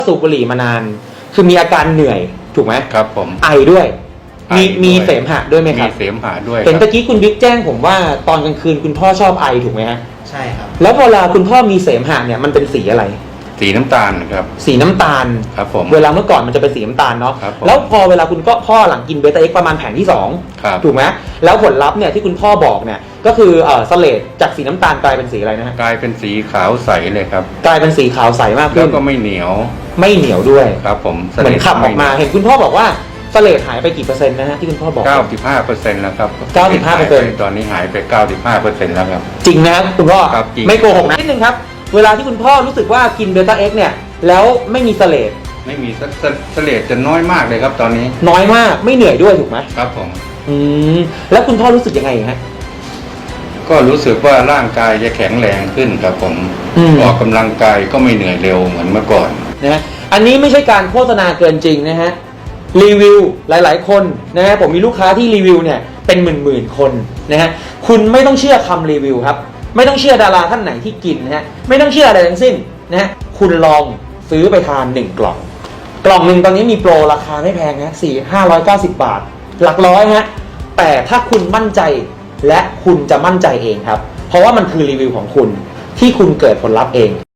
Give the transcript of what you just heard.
สูบบุหรี่มานานคือมีอาการเหนื่อยถูกไหมครับผมไอด้วยมีด้วยเสมหะด้วยไหมครับมีเสมหะด้วยเห็นตะกี้คุณบิ๊กแจ้งผมว่าตอนกลางคืนคุณพ่อชอบไอถูกไหมฮะใช่ครับแล้วเวลาคุณพ่อมีเสมหะเนี่ยมันเป็นสีอะไรสีน้ำตาลครับสีน้ำตาลครับผมเวลาเมื่อก่อนมันจะเป็นสีน้ำตาลเนาะครับแล้วพอเวลาคุณก็พ่อหลังกินเบต้าเอ็กซ์ประมาณแผงที่ครับ 2ถูกไหมแล้วผลลัพธ์เนี่ยที่คุณพ่อบอกเนี่ยก็คือสเลดจากสีน้ำตาลกลายเป็นสีอะไรนะฮะกลายเป็นสีขาวใสเลยครับกลายเป็นสีขาวใสมากขึ้นแล้วก็ไม่เหนียวด้วยครับผมเหมือนขับออกมาเห็นคุณพ่อบอกว่าสเลดหายไปกี่เปอร์เซ็นต์นะฮะที่คุณพ่อบอก 95%แล้วครับ 95% ตอนนี้หายไป95%แล้วครับจริงนะครับคุณพ่อไม่โกหกนะนิดนึงครับเวลาที่คุณพ่อรู้สึกว่ากินเบต้าเอ็กซ์เนี่ยแล้วไม่มีสเลดไม่มีสเลดจะน้อยมากเลยครับตอนนี้น้อยมากไม่เหนื่อยด้วยถูกไหมครับผมแล้วคุณพ่อรู้สึกยังไงฮะก็รู้สึกว่าร่างกายจะแข็งแรงขึ้นครับผมออกกำลังกายก็ไม่เหนื่อยเร็วเหมือนเมื่อก่อนนะฮะอันนี้ไม่ใช่การโฆษณาเกินจริงนะฮะรีวิวหลายๆคนนะฮะผมมีลูกค้าที่รีวิวเนี่ยเป็นหมื่นคนนะฮะคุณไม่ต้องเชื่อคำรีวิวครับไม่ต้องเชื่อดาราท่านไหนที่กินนะฮะไม่ต้องเชื่ออะไรทั้งสิ้นนะฮะคุณลองซื้อไปทาน1กล่องหนึ่งตอนนี้มีโปรราคาไม่แพงนะ590 บาทหลักร้อยฮะแต่ถ้าคุณมั่นใจและคุณจะมั่นใจเองครับเพราะว่ามันคือรีวิวของคุณที่คุณเกิดผลลัพธ์เอง